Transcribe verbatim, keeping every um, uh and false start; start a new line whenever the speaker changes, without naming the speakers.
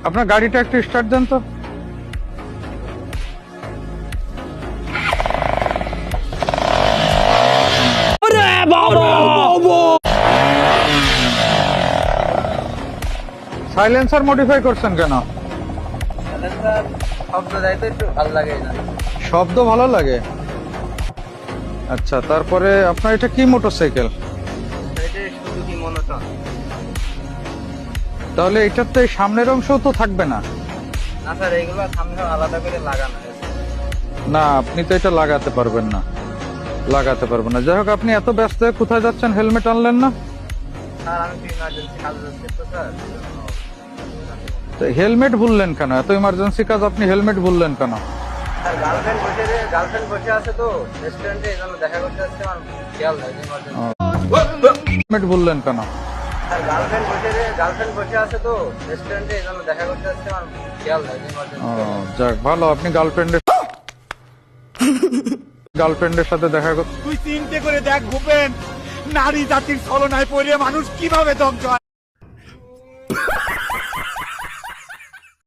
আপনার গাড়িটা একটু স্টার্ট দেন তো। সাইলেন্সার মডিফাই করছেন কেন?
শব্দ দেয় তো একটু ভালো লাগে না।
শব্দ ভালো লাগে। আচ্ছা, তারপরে আপনার এটা কি মোটরসাইকেল?
এটা শুধু কি মনোটন।
তাহলে এটার তো এই সামনের অংশও তো থাকবে না।
না স্যার, এগুলো সামনে আলাদা করে লাগানো আছে।
না, আপনি তো এটা লাগাতে পারবেন না, লাগাতে পারবেন না। যাই হোক, আপনি এত ব্যস্ত হয়ে কোথায় যাচ্ছেন, হেলমেট আনলেন না?
স্যার আমি তো ইমার্জেন্সি কাজ যাচ্ছি তো স্যার।
তো হেলমেট ভুললেন কেন? এত ইমার্জেন্সি কাজ, আপনি হেলমেট ভুললেন কেন?
স্যার গার্লফ্রেন্ড বসে গার্লফ্রেন্ড বসে আছে তো রেস্টুরেন্টে, এই জন্য দেখা করতে যাচ্ছে, আমার খেয়াল নেই ইমার্জেন্সি।
হেলমেট ভুললেন কেন?
স্যার গার্লফ্রেন্ড বসে গার্লফ্রেন্ড বসে আছে তো রেস্টুরেন্টে, এই জন্য দেখা করতে যাচ্ছে, আমার খেয়াল নেই
ও,
ইমার্জেন্সি।
যাক ভালো, আপনি গার্লফ্রেন্ডের গার্লফ্রেন্ডের সাথে দেখা করতে।
তুই চিন্তা করে দেখ ভূপেন, নারী জাতির ছলনায় পড়ে মানুষ কিভাবে ধ্বংস হয়।